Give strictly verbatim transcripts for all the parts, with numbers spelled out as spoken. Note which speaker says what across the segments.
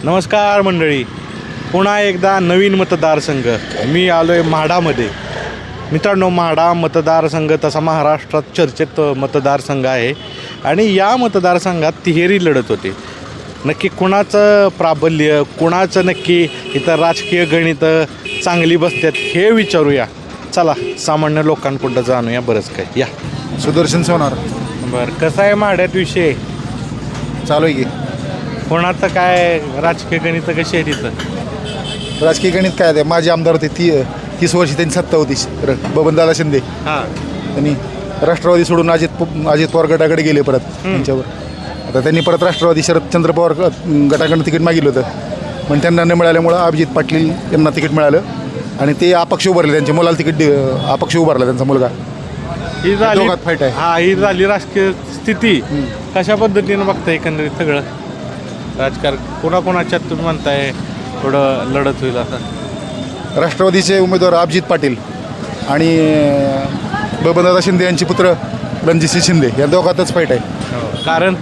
Speaker 1: नमस्कार मंडळी, पुन्हा एकदा नवीन मतदारसंघ. मी आलो आहे म्हाडामध्ये. मित्रांनो, म्हाडा मतदारसंघ तसा महाराष्ट्रात चर्चेत मतदारसंघ आहे आणि या मतदारसंघात तिहेरी लढत होते. नक्की कुणाचं प्राबल्य, कुणाचं नक्की इथं राजकीय गणित चांगली बसतात हे विचारूया. चला सामान्य लोकांकडं जाणूया बरंच काय. या
Speaker 2: सुदर्शन सोनार.
Speaker 1: बरं, कसं आहे म्हाड्यात विषय?
Speaker 2: चालू आहे की
Speaker 1: कोणाचं काय राजकीय गणित कशी आहे तिथं?
Speaker 2: राजकीय गणित काय आहे? माझे आमदार होते ती तीस वर्षी त्यांची सत्ता होती. र बबनदादा शिंदे
Speaker 1: हां,
Speaker 2: त्यांनी राष्ट्रवादी सोडून अजित प- अजित पवार गटाकडे गेले परत त्यांच्यावर. आता त्यांनी परत राष्ट्रवादी शरदचंद्र पवार ग- गटाकडनं तिकीट मागितलं होतं, पण त्यांना न मिळाल्यामुळं अभिजित पाटील यांना तिकीट मिळालं आणि ते अपक्ष उभारले. त्यांच्या मुलाला तिकीट दे- अपक्ष उभारला त्यांचा मुलगा.
Speaker 1: ही झाली
Speaker 2: दोघात फाईट आहे.
Speaker 1: हा ही झाली राजकीय स्थिती. कशा पद्धतीनं बघताय एकंदरीत सगळं राजकारण? कोणाकोणाच्यात तुम्ही म्हणताय थोडं लढत होईल असं?
Speaker 2: राष्ट्रवादीचे उमेदवार अभिजित पाटील आणि बबनदादा शिंदे यांचे पुत्र रणजितसिंह शिंदे या दोघातच फाईट आहे.
Speaker 1: कारण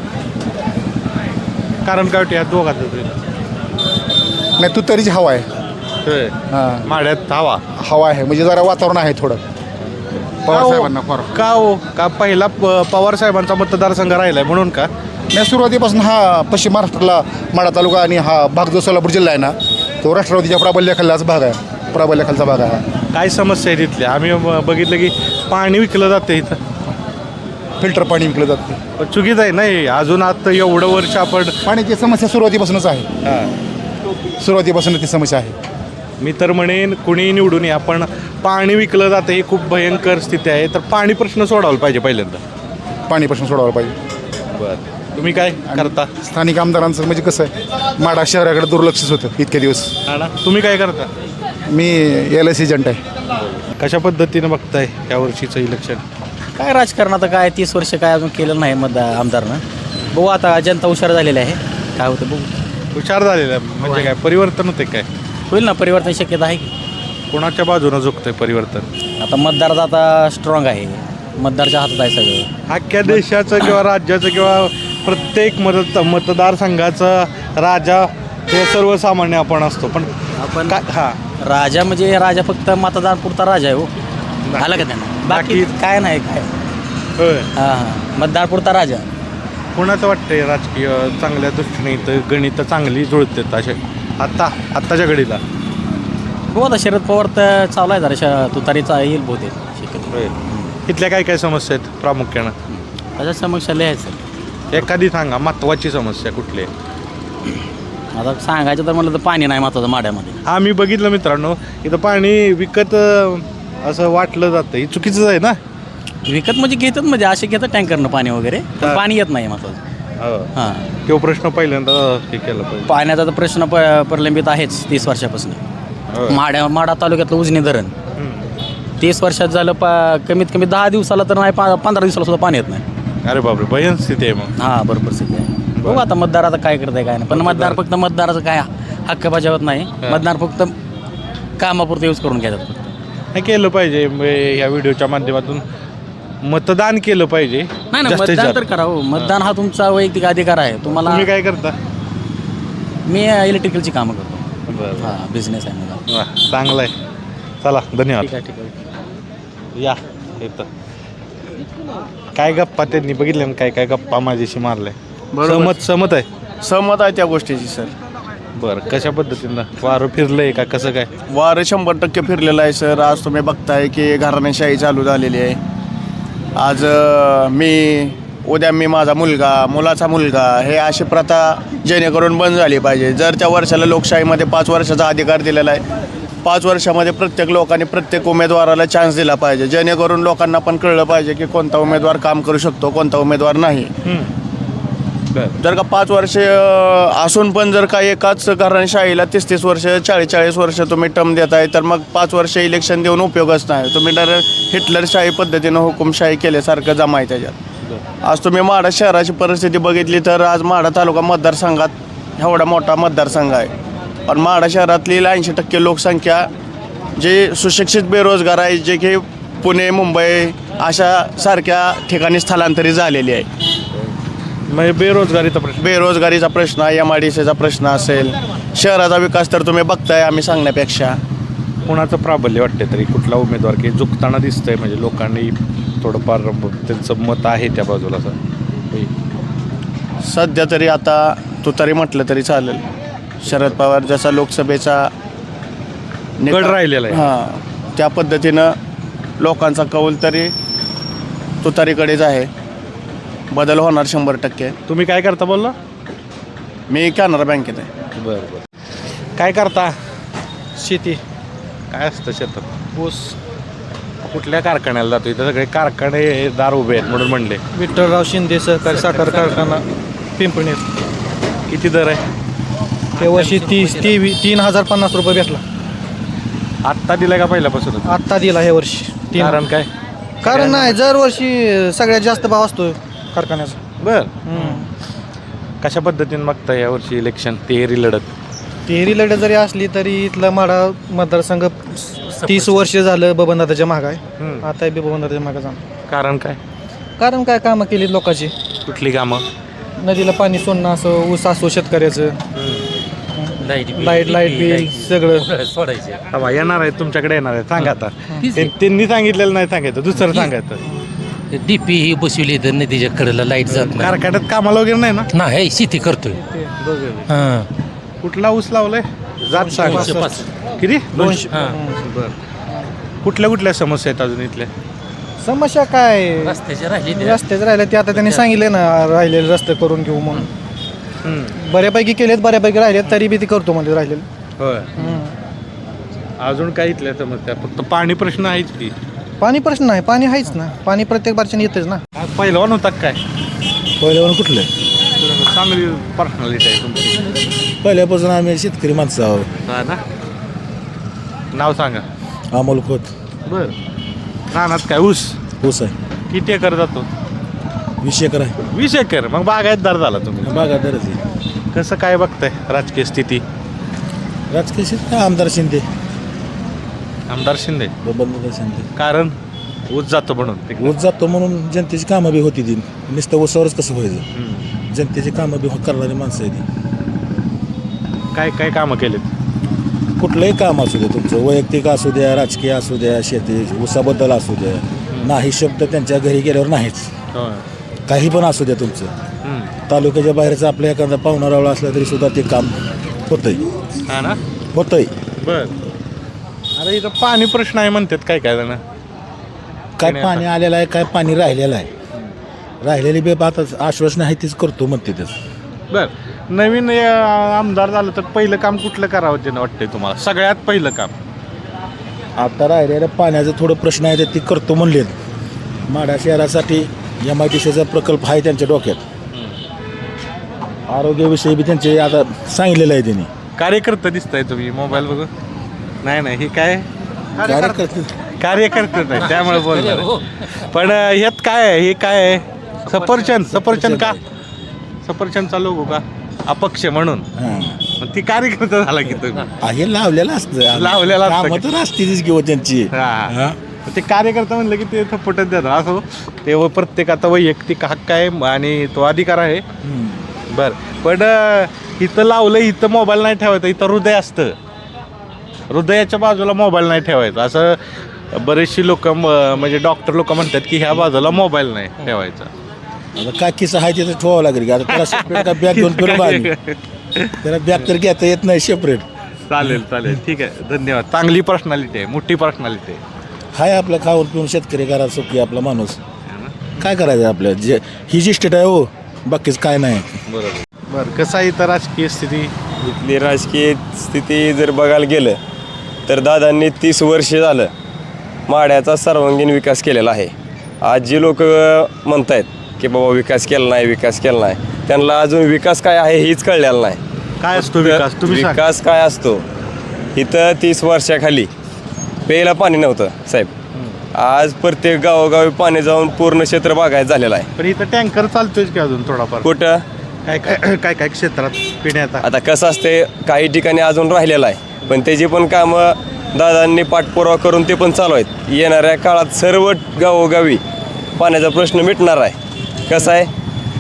Speaker 1: कारण काय होते या दोघात होईल?
Speaker 2: नाही, तू तरीच हवा आहे.
Speaker 1: होय.
Speaker 2: हां,
Speaker 1: माड्यात हवा
Speaker 2: हवा आहे म्हणजे जरा वातावरण आहे थोडं पवार साहेबांना. फार
Speaker 1: का हो? का पहिला प- पवार साहेबांचा मतदारसंघ राहिलाय म्हणून का?
Speaker 2: नाही, सुरुवातीपासून हा पश्चिम महाराष्ट्राला माढा तालुका आणि हा भाग जो सोलापूर जिल्हा आहे ना, तो राष्ट्रवादीच्या प्राबल्याखालचाच भाग आहे. प्राबल्याखालचा भाग आहे हा.
Speaker 1: काय समस्या आहे तिथल्या? आम्ही ब- बघितलं की पाणी विकलं जातं इथं.
Speaker 2: फिल्टर पाणी विकलं जातं.
Speaker 1: पण चुकीचं आहे नाही. अजून आता एवढं वर्ष आपण
Speaker 2: पाण्याची समस्या सुरुवातीपासूनच आहे.
Speaker 1: हां.
Speaker 2: सुरुवातीपासून ती समस्या आहे.
Speaker 1: मी तर म्हणेन कुणी निवडून या, पण पाणी विकलं जातं ही खूप भयंकर स्थिती आहे. तर पाणी प्रश्न सोडवला पाहिजे पहिल्यांदा.
Speaker 2: पाणीपासून सोडावं पाहिजे.
Speaker 1: बरं, तुम्ही काय करता?
Speaker 2: स्थानिक आमदारांचं म्हणजे कसं आहे, माढा शहराकडे दुर्लक्षच होतं इतके दिवस.
Speaker 1: हा ना, तुम्ही काय करता?
Speaker 2: मी एल एस एजंट आहे.
Speaker 1: कशा पद्धतीनं बघताय या वर्षीचं इलेक्शन?
Speaker 3: काय राजकारण आता काय तीस वर्ष काय अजून केलं नाही मतदार आमदारनं. बघू आता जनता हुशार झालेली आहे, काय होतं बघू.
Speaker 1: हुशार झालेला आहे म्हणजे काय परिवर्तन होते काय?
Speaker 3: होईल ना, परिवर्तन शक्यता आहे की.
Speaker 1: कोणाच्या बाजूनं झुकतंय परिवर्तन?
Speaker 3: आता मतदार आता स्ट्रॉंग आहे, मतदारच्या हातात आहे सगळं.
Speaker 1: अख्ख्या देशाचं किंवा राज्याचं किंवा प्रत्येक मत मतदारसंघाचा राजा हे सर्वसामान्य आपण असतो, पण
Speaker 3: आपण
Speaker 1: काय हां
Speaker 3: राजा म्हणजे राजा फक्त मतदार पुरता राजा आहे हो. आलं का त्यांना? बाकी
Speaker 1: बाकी-
Speaker 3: काय नाही काय.
Speaker 1: होय.
Speaker 3: हां हां, मतदार पुरता राजा.
Speaker 1: कोणाचं वाटतंय राजकीय चांगल्या दृष्टीने इथं गणित चांगली जुळतात असे आत्ता आत्ताच्या घडीला?
Speaker 3: हो, आता शरद पवार तर चालू आहे जरा श- तुतारीचा येईल बहुतेक शक्यतो.
Speaker 1: होय. इथल्या काय काय समस्या आहेत प्रामुख्यानं?
Speaker 3: त्याच्या समस्या लिहायचं.
Speaker 1: एखादी सांगा महत्त्वाची समस्या कुठली आहे?
Speaker 3: आता सांगायचं तर म्हणलं तर पाणी नाही महत्वाचं माड्यामध्ये.
Speaker 1: हा, मी बघितलं मित्रांनो, इथं पाणी विकत अं, असं वाटलं जातं. हे चुकीचंच आहे ना?
Speaker 3: विकत म्हणजे घेतात, म्हणजे असे घेतात टँकरनं पाणी वगैरे, पण
Speaker 1: हा.
Speaker 3: पाणी येत नाही महत्वाचं.
Speaker 1: हो.
Speaker 3: हां,
Speaker 1: तो प्रश्न पहिल्यांदा हे केलं पाहिजे.
Speaker 3: पाण्याचा तर प्रश्न प प्रलंबित आहेच तीस वर्षापासून.
Speaker 1: हो.
Speaker 3: माड्या माडा तालुक्यातलं उजनी धरण
Speaker 1: हम्म.
Speaker 3: तीस वर्षात झालं, पा कमीत कमी दहा दिवसाला तर नाही, पा पंधरा दिवसाला सुद्धा पाणी येत नाही.
Speaker 1: अरे बापरे, भयन स्थिती आहे मग.
Speaker 3: हां, बरोबर सध्या आहे. बघू आता मतदार आता काय करत आहे काय नाही, पण मतदार फक्त मतदाराचं काय हक्क बजावत नाही. मतदार फक्त कामापुरतं यूज करून घेतात.
Speaker 1: हे केलं पाहिजे. म- या व्हिडिओच्या माध्यमातून मतदान केलं पाहिजे.
Speaker 3: नाही ना,
Speaker 1: जास्तीत
Speaker 3: मतदान
Speaker 1: जास्त.
Speaker 3: तर करा हो. मतदान हा तुमचा वैयक्तिक अधिकार आहे. तुम्हाला
Speaker 1: तुम्ही काय करता?
Speaker 3: मी इलेक्ट्रिकलची कामं करतो.
Speaker 1: बरं,
Speaker 3: हां, बिझनेस आहे माझा.
Speaker 1: वा, चांगलं आहे. चला, धन्यवाद.
Speaker 3: ठीक आहे ठीक आहे.
Speaker 1: या इथं काय गप्पा त्यांनी बघितले ना, काय काय गप्पा माझ्याशी मारले. सहमत सहमत आहे.
Speaker 4: सहमत आहे त्या गोष्टीची सर.
Speaker 1: बरं, कशा पद्धतीनं वारं फिरलंय का कसं काय?
Speaker 4: वारं शंभर टक्के फिरलेलं आहे सर. आज तुम्ही बघताय की घराणेशाही चालू झालेली आहे. आज अ, मी उद्या मी माझा मुलगा मुलाचा मुलगा हे अशी प्रथा जेणेकरून बंद झाली पाहिजे. जर त्या वर्षाला लोकशाहीमध्ये पाच वर्षाचा अधिकार दिलेला आहे, पाच वर्षामध्ये प्रत्येक लोकांनी प्रत्येक उमेदवाराला चान्स दिला पाहिजे, जेणेकरून लोकांना पण कळलं पाहिजे की कोणता उमेदवार काम करू शकतो, कोणता उमेदवार नाही.
Speaker 1: बरं,
Speaker 4: जर का पाच वर्ष अ, असून पण जर का एकाच घराणेशाहीला तीस तीस वर्ष चाळीस चाळीस वर्ष तुम्ही टर्म देताय, तर मग पाच वर्ष इलेक्शन देऊन उपयोगच नाही. तुम्ही तर हिटलरशाही पद्धतीनं हुकुमशाही केल्यासारखं जमाय त्याच्यात. आज तुम्ही माढा शहराची परिस्थिती बघितली तर आज माढा तालुका मतदारसंघात एवढा मोठा मतदारसंघ आहे, पण माढा शहरातली ऐंशी टक्के लोकसंख्या जे सुशिक्षित बेरोजगार आहे, जे की पुणे मुंबई अशा सारख्या ठिकाणी स्थलांतरित झालेली आहे.
Speaker 1: म्हणजे बेरोजगारीचा प्रश्न.
Speaker 4: बेरोजगारीचा प्रश्न, एम आय डी सीचा प्रश्न असेल, शहराचा विकास तर तुम्ही बघताय आम्ही सांगण्यापेक्षा.
Speaker 1: कोणाचं प्राबल्य वाटते तरी कुठला उमेदवार की झुकताना दिसतंय म्हणजे लोकांनी थोडंफार त्यांचं मत आहे त्या बाजूला असं होय.
Speaker 4: सध्या तरी आता तुतारी म्हटलं तरी चालेल. शरद पवार जसा लोकसभेचा
Speaker 1: गड राहिलेला आहे.
Speaker 4: हां, त्या पद्धतीनं लोकांचा कौल तरी तुतारीकडेच आहे. बदल होणार शंभर टक्के.
Speaker 1: तुम्ही काय करता बोलला?
Speaker 4: मी कॅनरा बँकेत आहे.
Speaker 1: बरं बरं. काय करता?
Speaker 5: शेती,
Speaker 1: काय असतं शेतात?
Speaker 5: ऊस.
Speaker 1: कुठल्या कारखान्याला जातो? इथं सगळे कारखानेदार उभे आहेत म्हणून म्हणले.
Speaker 5: विठ्ठलराव शिंदे सहकारी साखर कारखाना पिंपणीत.
Speaker 1: किती दर आहे?
Speaker 5: त्या वर्षी तीस ती तीन हजार पन्नास रुपये भेटला.
Speaker 1: आत्ता दिलाय का पहिल्यापासूनच?
Speaker 5: आत्ता दिला हे वर्षी तीन.
Speaker 1: कारण काय?
Speaker 5: कारण नाही, दरवर्षी सगळ्यात जास्त भाव असतो कारखान्याचा.
Speaker 1: बर.
Speaker 5: हम्म.
Speaker 1: कशा पद्धतीने बघता यावर्षी इलेक्शन तेरी लढत?
Speaker 5: तिहेरी लढत जरी असली तरी इथला माडा मतदारसंघ तीस वर्ष झालं बबनदादाच्या मागं आहे.
Speaker 1: हम्म.
Speaker 5: आता बी बबनदादाच्या मागं जाणार.
Speaker 1: कारण काय?
Speaker 5: कारण काय कामं केली लोकांची.
Speaker 1: कुठली कामं?
Speaker 5: नदीला पाणी सोडणं असं, ऊस असो शेतकऱ्याचं, लाईट लाईट बिल सगळं
Speaker 3: सोडायचे.
Speaker 1: हवा येणार आहे तुमच्याकडे येणार आहे. सांगा आता. ते- त्यांनी सांगितलेलं नाही सांगायचं, दुसरं सांगायचं.
Speaker 6: डीपी ही बसवली तर नदीच्या कडेला लाईट जात नाही.
Speaker 1: कारखान्यात कामाला वगैरे नाही ना?
Speaker 6: नाही शेती करतोय. हां.
Speaker 1: कुठला ऊस लावलाय? जात सांग.
Speaker 6: दोनशे पाच.
Speaker 1: किती?
Speaker 5: दोनशे.
Speaker 1: बर. कुठल्या कुठल्या समस्या आहेत अजून इथल्या?
Speaker 5: समस्या काय
Speaker 6: रस्त्याचे राहिले ते.
Speaker 5: रस्त्याच राहिले ते आता त्यांनी सांगितले ना, राहिलेले रस्ते करून घेऊ म्हणून.
Speaker 1: हम्म.
Speaker 5: बऱ्यापैकी केलेत, बऱ्यापैकी राहिलेत, तरी बी ती करतो म्हणजे राहिलेलं.
Speaker 1: होय. अजून काय इथल्या समस्या? फक्त पाणी प्रश्न आहेच की?
Speaker 5: पाणी प्रश्न नाही, पाणी आहेच ना, पाणी प्रत्येक बारच्याने येतेच ना.
Speaker 1: पहिलवान होता काय?
Speaker 7: पहिल्यावर कुठलं
Speaker 1: चांगली पर्सनॅलिटी आहे तुमची.
Speaker 7: पहिल्यापासून आम्ही शेतकरी माणसं आहोत.
Speaker 1: हा ना? नाव सांगा.
Speaker 7: अमोल खोत.
Speaker 1: बर. रानात काय ऊस?
Speaker 7: ऊस आहे,
Speaker 1: किती एकर जातो?
Speaker 7: वीस एकर आहे.
Speaker 1: वीस एकर. मग बागायतदार झाला तुम्ही.
Speaker 7: बागायतदारच आहे.
Speaker 1: कसं काय बघताय राजकीय स्थिती?
Speaker 7: राजकीय शेत आमदार शिंदे,
Speaker 1: आमदार शिंदे.
Speaker 7: बबनदादा शिंदे.
Speaker 1: कारण ऊस जातो म्हणून तिकडे.
Speaker 7: ऊस जातो म्हणून जनतेची कामं बी होती ती. नुसतं ऊसावरच कसं व्हायचं?
Speaker 1: हम्म.
Speaker 7: जनतेची कामं बी करणारी माणसं आहे ती.
Speaker 1: काय काय कामं केलेत?
Speaker 7: कुठलंही काम असू द्या तुमचं, वैयक्तिक असू द्या, राजकीय असू द्या, शेती ऊसाबद्दल असू द्या, नाही शब्द त्यांच्या घरी गेल्यावर नाहीच.
Speaker 1: होय.
Speaker 7: काही पण असू द्या तुमचं.
Speaker 1: हम्म.
Speaker 7: तालुक्याच्या बाहेरचा आपल्या एखादा पाहुणा रावळा असला तरी सुद्धा ते काम होतंय
Speaker 1: हा ना?
Speaker 7: होतंय
Speaker 1: बर. अरे इथं पाणी प्रश्न आहे म्हणतात काय काय जण.
Speaker 7: काय पाणी आलेलं आहे, काय पाणी राहिलेलं आहे. राहिलेली बी आता आश्वासन आहे तीच करतो म्हणते तेच.
Speaker 1: बर. नवीन अ, आमदार झालं तर पहिलं काम कुठलं करावं त्यानं वाटतंय तुम्हाला? सगळ्यात पहिलं काम?
Speaker 7: आता राहिलेल्या पाण्याचा थोडं प्रश्न आहे ते करतो म्हणलेत. माढा शहरासाठी एम आय डी सीचा प्रकल्प आहे त्यांच्या डोक्यात. आरोग्याविषयी बी त्यांचे आता सांगितलेलं आहे त्यांनी.
Speaker 1: कार्यकर्ता दिसताय तुम्ही मोबाईल बघून? नाही नाही, हे काय
Speaker 7: कार्यकर्ते
Speaker 1: कार्यकर्ते नाही त्यामुळे बोलणार आहे. पण अ, ह्यात काय आहे? हे काय आहे? सफरचंद. सफरचंद का? सफरचंदचा लोगो का? अपक्ष म्हणून.
Speaker 7: हां,
Speaker 1: मग ती कार्यकर्ता झाला की तुम्ही?
Speaker 7: हे लावलेलं असतं.
Speaker 1: लावलेलं असतं.
Speaker 7: कामं तर असतीच किंवा त्यांची.
Speaker 1: हा.
Speaker 7: हां.
Speaker 1: ते कार्यकर्ता म्हणलं की ते थप्पटच देतात असं. ते व प्रत्येकाचा वैयक्तिक हक्क आहे आणि तो अधिकार आहे.
Speaker 7: हम्म.
Speaker 1: बरं. पण अ, इथं लावलं, इथं मोबाईल नाही ठेवायचा, इथं हृदय असतं. हृदयाच्या बाजूला मोबाईल नाही ठेवायचा असं बरेचशी लोक म्हणजे डॉक्टर लोक म्हणतात की ह्या बाजूला मोबाईल नाही ठेवायचा.
Speaker 7: आता काय किस्सा आहे तिथं ठेवावं लागेल की आता त्याला सेपरेट का बॅग घेऊन फिरून आली त्याला बॅग तर घेता येत नाही सेपरेट.
Speaker 1: चालेल चालेल ठीक आहे, धन्यवाद. चांगली पर्सनॅलिटी आहे, मोठी पर्सनॅलिटी आहे.
Speaker 7: हाय आपलं खाऊन पिऊन शेतकरी घरात सुखी आपला माणूस. काय करायचं आपल्या जे ही जी स्टेट आहे हो, बाकीच काय नाही.
Speaker 1: बरोबर. बरं. कसं आहे इथं राजकीय स्थिती?
Speaker 8: इथली राजकीय स्थिती जर बघायला गेलं तर दादांनी तीस वर्ष झालं माढ्याचा सर्वांगीण विकास केलेला आहे. आज जी लोक म्हणत आहेत की बाबा विकास केला नाही विकास केला नाही, त्यांना अजून विकास काय आहे हेच कळलेलं नाही.
Speaker 1: काय असतो विकास? तुम्ही सांगा.
Speaker 8: विकास काय असतो? इथं तीस वर्षाखाली प्यायला पाणी नव्हतं साहेब. आज प्रत्येक गावोगावी पाणी जाऊन पूर्ण क्षेत्र बागायत झालेलं आहे.
Speaker 1: पण इथं टँकर चालतोय की अजून थोडाफार?
Speaker 8: कुठं
Speaker 1: काय काय काय काय क्षेत्रात पिण्याचा?
Speaker 8: आता कसं असते, काही ठिकाणी अजून राहिलेलं आहे पण त्याची पण कामं दादांनी पाठपुरावा करून ते पण चालू आहेत. येणाऱ्या काळात सर्व गावोगावी पाण्याचा प्रश्न मिटणार आहे. कसं आहे,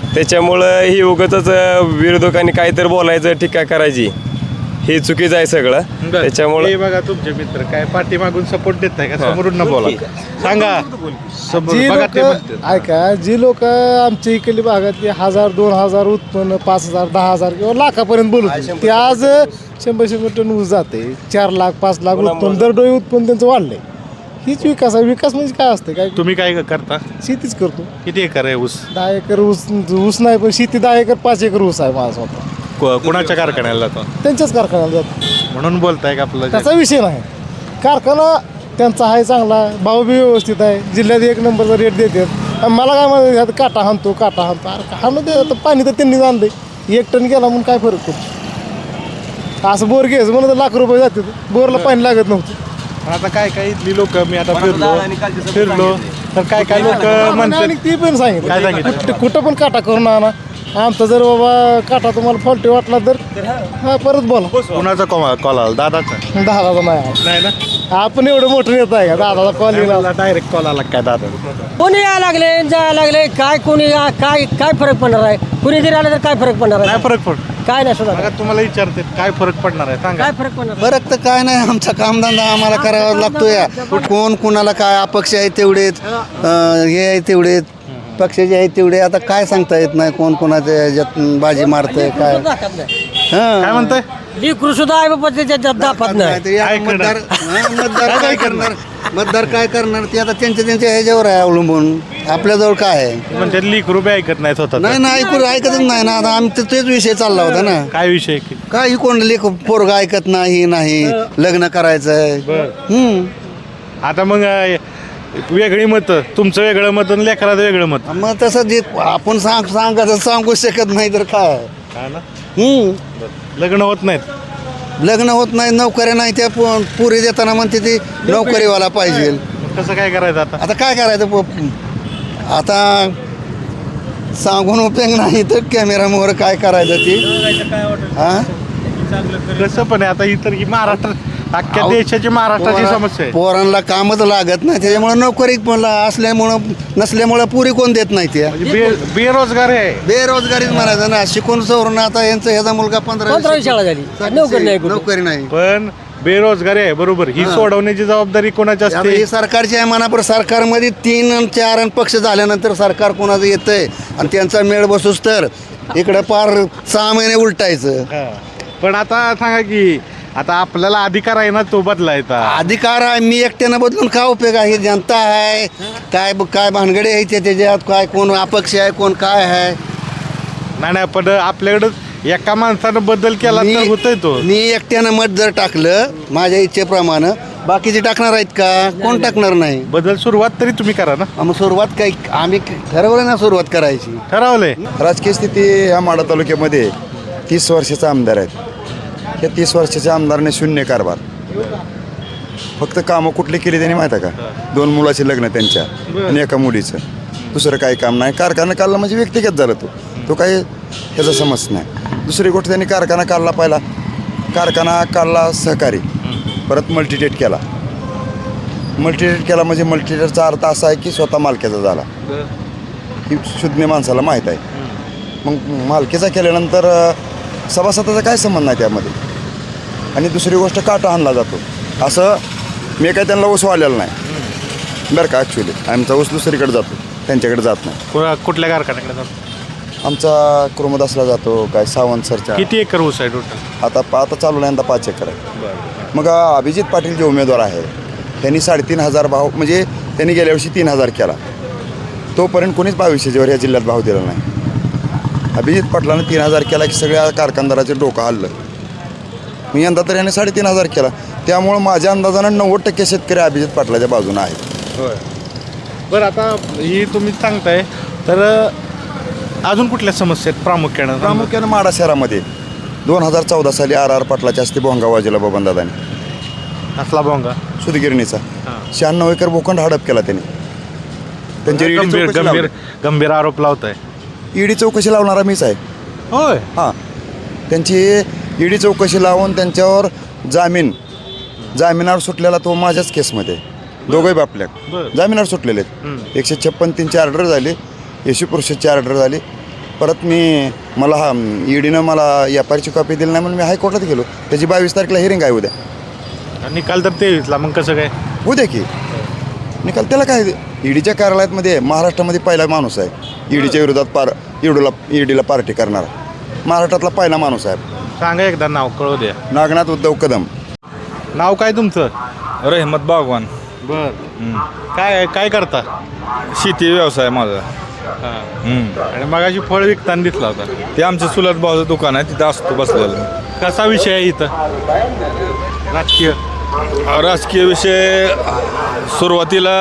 Speaker 8: त्याच्यामुळं ही उगाचच विरोधकांनी काहीतरी बोलायचं टीका करायची हे चुकीचं आहे सगळं त्याच्यामुळं
Speaker 1: हे बघा तुमचे मित्र काय पाठीमागून सपोर्ट देत नाही का समोरून न बोला सांगा समोर
Speaker 9: जी
Speaker 1: बघा ते
Speaker 9: लोक
Speaker 1: म्हणतात.
Speaker 9: ऐका जी लोक आमच्या इकडली भागातली हजार दोन हजार उत्पन्न पाच हजार दहा हजार किंवा लाखापर्यंत बोलत ते आज शंभर शंभर टन ऊस जाते चार लाख पाच लाख उत्पन्न दरडोई उत्पन्न त्यांचं वाढलंय हीच विकास आहे. विकास म्हणजे काय असते काय
Speaker 1: तुम्ही काय करता
Speaker 9: शेतीच करतो.
Speaker 1: किती एकर आहे ऊस
Speaker 9: दहा एकर ऊस ऊस नाही पण शेती दहा एकर पाच एकर ऊस आहे माझा स्वतः.
Speaker 1: को- कोणाच्या कारखान्याला जातो
Speaker 9: त्यांच्याच कारखान्याला जातो.
Speaker 1: म्हणून बोलताय का आपलं
Speaker 9: त्याचा विषय नाही. कारखाना त्यांचा आहे चांगला भाव बी व्यवस्थित आहे जिल्ह्यात एक नंबरचा रेट देतात आणि मला काय म्हणतात काटा हाणतो काटा हाणतो अरे हाणू दे आता पाणी तर त्यांनी आणलंय एक टन गेला म्हणून काय फरक पडतो. असं बोर घ्यायचं म्हणून तर लाख रुपये जाते बोरला पाणी लागत नव्हतं.
Speaker 1: आता काय काय इथली लोक मी आता फिरलो फिरलो तर काय काय लोक
Speaker 9: आणि
Speaker 1: म्हणतात
Speaker 9: ती पण सांगितलं
Speaker 1: काय सांगितलं?
Speaker 9: कुठं- कुठं पण काटा करून आणा आमचा जर बाबा काटा तुम्हाला फॉल्टी वाटला तर हा परत बोला.
Speaker 1: कुणाचा कॉल आला दादाचा
Speaker 9: दादाचा नाही आला.
Speaker 1: नाही ना
Speaker 9: आपण एवढं मोठं येत आहे का दादाचा कॉल येईल
Speaker 1: डायरेक्ट कॉल आला काय दादा
Speaker 10: कोणी यायला लागले जायला लागले काय कोणी या- काय काय फरक पडणार आहे कुणी जरी आलं तर काय फरक पडणार
Speaker 1: काय
Speaker 10: आहे
Speaker 1: फरक पड
Speaker 10: काय नाही सुद्धा
Speaker 1: बघा तुम्हाला विचारते काय फरक पडणार आहे सांगा
Speaker 10: काय फरक पडणार
Speaker 11: फरक तर काय नाही आमचा कामधंदा आम्हाला करावा लागतो या कोण कुणाला काय अपक्ष आहे तेवढेच अं, हे आहे तेवढेच पक्षाचे आहेत तेवढे आता काय सांगता येत नाही कोण कोणाच्या ह्याच्यात बाजी मारतंय काय
Speaker 10: दाखवत नाही
Speaker 1: काय म्हणताय
Speaker 10: लिकरू सुद्धा आहे बाबा त्याच्यात दाखवत नाही
Speaker 11: नाहीतरी आता
Speaker 1: काय करणार?
Speaker 11: मतदार हा, मतदार काय करणार मतदार काय करणार ते आता त्यांच्या त्यांच्या ह्याच्यावर आहे अवलंबून आपल्याजवळ काय आहे
Speaker 1: म्हणजे लीक रुपये ऐकत नाही स्वतः
Speaker 11: नाही ना ऐकू ऐकतच नाही ना आता आमचं तेच विषय चालला होता ना
Speaker 1: काय विषय की?
Speaker 11: काही कोण लेख पोरगा ऐकत नाही नाही लग्न करायचंय हम्म
Speaker 1: आता मग अं, वेगळी मतं तुमचं वेगळं मत आणि लेकराचं वेगळं मत
Speaker 11: मग तसं जे आपण सांग सांगायचं सांगू शकत नाही तर काय
Speaker 1: काय ना
Speaker 11: हम्म
Speaker 1: लग्न होत नाहीत
Speaker 11: लग्न होत नाही नोकऱ्या नाही त्या पु- पुरी देताना म्हणते ती नोकरीवाला पाहिजे
Speaker 1: मग कसं काय करायचं आता
Speaker 11: आता काय करायचं प- आता सांगून उपयोग नाही तर कॅमेरामोर काय करायचं ती हा
Speaker 1: कसं पण आहे आता इतर ही महाराष्ट्र अख्ख्या देशाची महाराष्ट्राची समस्या आहे
Speaker 11: पोरांना कामच लागत नाही त्याच्यामुळे नोकरी पण असल्यामुळं नसल्यामुळं पुरी कोण देत नाही त्या
Speaker 1: म्हणजे बे बेरोजगार आहे
Speaker 11: बेरोजगारीच म्हणायचं ना शिकून सवरून आता यांचा ह्याचा मुलगा पंधरा
Speaker 10: पंधरावी शाळा झाली नोकरी नाही कुठं.
Speaker 11: नोकरी नाही
Speaker 1: पण बेरोजगारी आहे बरोबर ही सोडवण्याची जबाबदारी कोणाची
Speaker 11: आता
Speaker 1: असते
Speaker 11: ही सरकारची आहे मनापर सरकारमध्ये तीन आणि चार आणि पक्ष झाल्यानंतर सरकार कोणाचं येतंय आणि त्यांचा मेळ बसूस तर इकडं पार सहा महिने उलटायचं
Speaker 1: हा. पण आता सांगा की आता आपल्याला अधिकार आहे ना तो बदलायचा
Speaker 11: अधिकार आहे मी एकट्यानं बदलून काय उपयोग आहे जनता आहे काय काय भानगडे आहे त्या त्याच्यात काय कोण अपक्ष आहे कोण काय आहे
Speaker 1: नाही नाही पण आपल्याकडं एका माणसानं बदल केला तर होतोय तो
Speaker 11: मी एकट्यानं मत जर टाकलं माझ्या इच्छेप्रमाणे बाकीचे टाकणार आहेत का कोण टाकणार नाही
Speaker 1: बदल सुरुवात तरी तुम्ही करा ना
Speaker 11: मग सुरुवात काही आम्ही ठरवलं ना सुरुवात करायची
Speaker 1: ठरवलंय
Speaker 2: राजकीय स्थिती ह्या माढा तालुक्यामध्ये तीस वर्षाचा आमदार आहेत या तीस वर्षाच्या आमदाराने शून्य कारभार फक्त कामं कुठली केली त्यांनी माहीत आहे का दोन मुलाचे लग्न त्यांच्या आणि एका मुलीचं दुसरं काही काम नाही कारखाना काढला म्हणजे व्यक्तिगत झाला तो तो काही ह्याचा समज नाही दुसरी गोष्ट त्यांनी कारखाना काढला पहिला कारखाना काढला सहकारी परत मल्टीटेट केला मल्टीटेट केला म्हणजे मल्टीटेटचा अर्थ असा आहे की स्वतः मालकीचा झाला ही शुद्ध माणसाला माहीत आहे मग मालकीचा केल्यानंतर सभासदाचा काय संबंध नाही त्यामध्ये आणि दुसरी गोष्ट काटा आणला जातो असं मी काय त्यांना ऊस वाढलेला नाही बरं का ॲक्च्युली आमचा ऊस दुसरीकडे जातो त्यांच्याकडे जात नाही
Speaker 1: कुणा- कुठल्या कारखान्याकडे जातो?
Speaker 2: आमचा कुर्मदासला जातो काय सावंत सरच्या
Speaker 1: किती एकर ऊस आहे टोटल
Speaker 2: आता आता चालू नाही यंदा पाच एकर आहे मग अभिजित पाटील जे उमेदवार आहे त्यांनी साडेतीन हजार भाव म्हणजे त्यांनी गेल्या वर्षी तीन हजार केला तोपर्यंत कोणीच बावीसशेच्यावर या जिल्ह्यात भाव दिला नाही अभिजित पाटलानं तीन हजार केला की सगळ्या कारखानदाराचे डोकं हल्लं मी यंदा तर याने साडेतीन हजार केला त्यामुळं माझ्या अंदाजानं नव्वद टक्के शेतकरी अभिजित पाटलाच्या बाजूनं आहेत
Speaker 1: बरं आता ही तुम्ही सांगताय तर अजून कुठल्या समस्या आहेत प्रामुख्यानं
Speaker 2: प्रामुख्यानं माढा शहरामध्ये दोन हजार चौदा साली आर आर पाटलाच्या हस्ते भोंगा वाजवला बबनदादाने
Speaker 1: असला बोंगा
Speaker 2: सुदगिरणीचा शहाण्णव एकर भूखंड हडप केला त्यांनी त्यांची ईडी
Speaker 1: गंभीर
Speaker 2: चौकशी
Speaker 1: गंभीर
Speaker 2: लावली.
Speaker 1: गंभीर आरोप लावताय
Speaker 2: ईडी चौकशी लावणारा मीच आहे
Speaker 1: होय
Speaker 2: हां त्यांची ईडी चौकशी लावून त्यांच्यावर जामीन जामिनावर सुटलेला तो माझ्याच केसमध्ये दोघंही बापल्या
Speaker 1: बरं.
Speaker 2: जामिनावर सुटलेले आहेत एकशे छप्पन तीनची ऑर्डर झाली येशू पुरुषाची ऑर्डर झाली
Speaker 11: परत मी मला हा ईडीनं मला एफ आय आरची कॉपी दिली नाही म्हणून मी हायकोर्टात गेलो. त्याची बावीस तारखेला हिअरिंग आहे उद्या.
Speaker 1: निकाल तर तेवीसला, मग कसं काय?
Speaker 11: उद्या की निकाल त्याला काय ईडीच्या कार्यालयामध्ये महाराष्ट्रामध्ये पहिला माणूस आहे ईडीच्या विरोधात पार ईडूला ईडीला पार्टी करणारा महाराष्ट्रातला पहिला माणूस आहे.
Speaker 1: सांगा एकदा नाव, कळू द्या.
Speaker 11: नागनाथ उद्धव कदम.
Speaker 1: नाव काय तुमचं?
Speaker 12: रहमत बागवान.
Speaker 1: बर. काय काय करता?
Speaker 12: शेती व्यवसाय माझा.
Speaker 1: आणि मगाशी फळ विकताना दिसला होता.
Speaker 12: ते आमचं चुलत भावाचं दुकान आहे, तिथं असतो बसलेलं.
Speaker 1: कसा विषय आहे इथं राजकीय?
Speaker 12: राजकीय विषय सुरुवातीला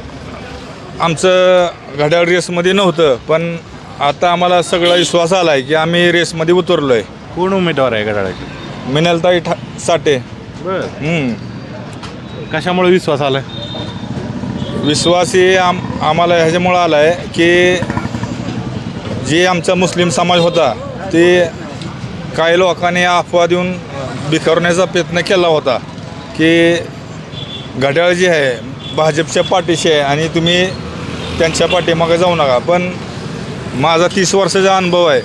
Speaker 12: आमचं घड्याळ रेसमध्ये नव्हतं, पण आता आम्हाला सगळा विश्वास आला आहे की आम्ही रेसमध्ये उतरलो आहे.
Speaker 1: कोण उमेदवार आहे घड्याळाचे?
Speaker 12: मिनलताई ठा साठे.
Speaker 1: बर.
Speaker 12: हम्म.
Speaker 1: कशामुळे विश्वास आला?
Speaker 12: विश्वास हे आम आम्हाला ह्याच्यामुळं आला आहे की जे आमचा मुस्लिम समाज होता ते काही लोकांनी अफवा देऊन बिखरण्याचा प्रयत्न केला होता की घड्याळ जी आहे भाजपच्या पाठीशी आहे आणि तुम्ही त्यांच्या पाठीमागे जाऊ नका. पण माझा तीस वर्षाचा अनुभव आहे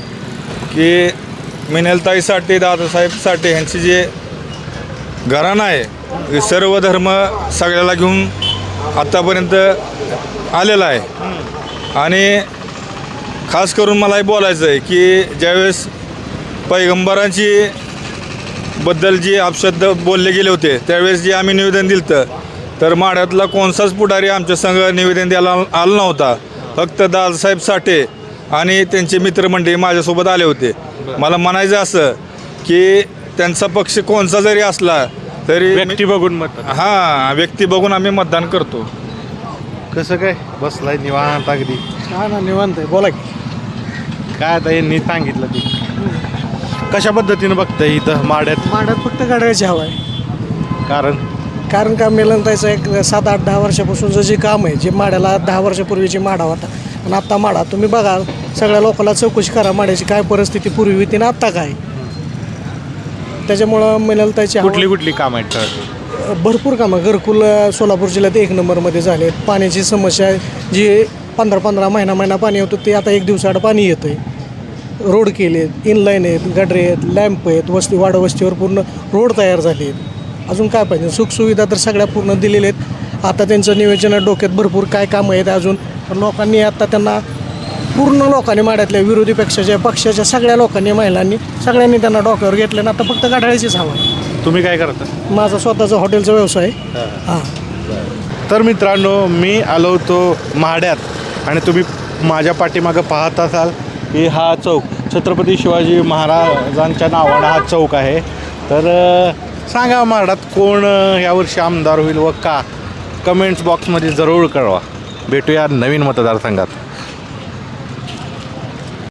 Speaker 12: की मिनलताई साठे, दादासाहेब साठे यांची जे घराणं आहे सर्व धर्म सगळ्याला घेऊन आत्तापर्यंत आलेला आहे. आणि खास करून मला हे बोलायचं आहे की ज्यावेळेस पैगंबरांची बद्दल जे अपशब्द बोलले गेले होते त्यावेळेस जे आम्ही निवेदन दिलं तर माढ्यातला कोणताच पुढारी आमच्या संघ निवेदन द्यायला आला नव्हता. फक्त दादासाहेब साठे आणि त्यांचे मित्रमंडळी माझ्यासोबत आले होते. मला म्हणायचं असं की त्यांचा पक्ष कोणता जरी असला तरी
Speaker 1: व्यक्ती बघून मत.
Speaker 12: हां, व्यक्ती बघून आम्ही मतदान करतो.
Speaker 1: कसं काय बसलाय निवांत अगदी?
Speaker 9: हा ना निवांत आहे. बोला की.
Speaker 1: काय आता यांनी सांगितलं ते कशा पद्धतीनं बघताय इथं माड्यात?
Speaker 9: माड्यात फक्त गाड्याची हवा आहे.
Speaker 1: कारण
Speaker 9: कारण का मिलनताईचं एक सात आठ दहा वर्षापासूनचं जे काम आहे, जे माड्याला दहा वर्षापूर्वीची माडा होता आणि आत्ता माडा तुम्ही बघा, सगळ्या लोकांना चौकशी करा माड्याची काय परिस्थिती पूर्वी होती ना आत्ता काय. त्याच्यामुळं मिलनताईची
Speaker 1: कुठली कुठली कामं आहेत ठळक?
Speaker 9: भरपूर कामं. घरकुल सोलापूर जिल्ह्यात एक नंबरमध्ये झाले. पाण्याची समस्या जी पंधरा पंधरा महिना महिना पाणी होतं ते आता एक दिवसाआड पाणी येतं आहे. रोड केले, इनलाईन आहेत, गडरे आहेत, लॅम्प आहेत, वस्ती वाडा वस्तीवर पूर्ण रोड तयार झाले आहेत. अजून काय पाहिजे? सुखसुविधा तर सगळ्या पूर्ण दिलेल्या आहेत. आता त्यांचं नियोजन डोक्यात भरपूर काय कामं आहेत अजून. लोकांनी आता त्यांना पूर्ण लोकांनी माड्यातल्या विरोधी पक्षाच्या पक्षाच्या सगळ्या लोकांनी महिलांनी सगळ्यांनी त्यांना डोक्यावर घेतलं ना आता फक्त गाठाळीचीच हवा आहे.
Speaker 1: तुम्ही काय करता?
Speaker 9: माझा स्वतःचा हॉटेलचा व्यवसाय आहे. हां.
Speaker 1: तर मित्रांनो, मी आलो होतो माड्यात आणि तुम्ही माझ्या पाठीमागं पाहत असाल की हा चौक छत्रपती शिवाजी महाराजांच्या नावानं हा चौक आहे. तर सांगा माड्यात कोण यावर्षी आमदार होईल व का? कमेंट्स बॉक्समध्ये जरूर कळवा. भेटूया नवीन मतदारसंघात.